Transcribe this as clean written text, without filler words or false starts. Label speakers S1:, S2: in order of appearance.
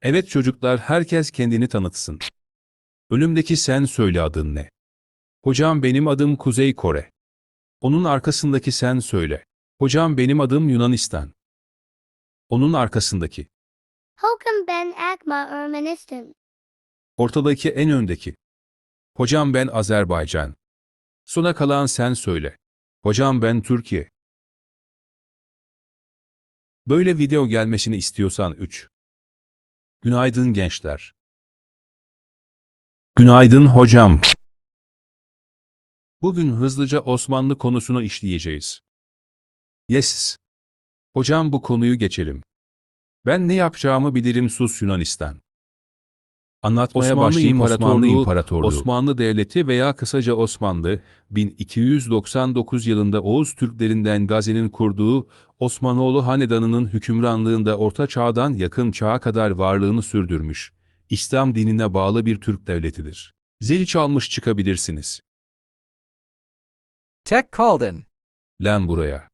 S1: Evet çocuklar, herkes kendini tanıtsın. Önümdeki sen söyle, adın ne? Hocam benim adım Kuzey Kore. Onun arkasındaki sen söyle. Hocam benim adım Yunanistan. Onun arkasındaki.
S2: Hokum ben Akma Ermenistan.
S1: Ortadaki, en öndeki. Hocam ben Azerbaycan. Sona kalan sen söyle. Hocam ben Türkiye. Böyle video gelmesini istiyorsan 3. Günaydın gençler. Günaydın hocam. Bugün hızlıca Osmanlı konusunu işleyeceğiz. Yes. Hocam bu konuyu geçelim. Ben ne yapacağımı bilirim, sus Yunanistan. Anlatmaya
S2: Osmanlı
S1: başlayayım. Osmanlı
S2: İmparatorluğu,
S1: İmparatorluğu. Osmanlı Devleti veya kısaca Osmanlı, 1299 yılında Oğuz Türklerinden Gazi'nin kurduğu Osmanoğlu Hanedanı'nın hükümranlığında Orta Çağ'dan Yakın Çağ'a kadar varlığını sürdürmüş, İslam dinine bağlı bir Türk devletidir. Zili çalmış çıkabilirsiniz.
S3: Tek kaldın.
S1: Lan buraya.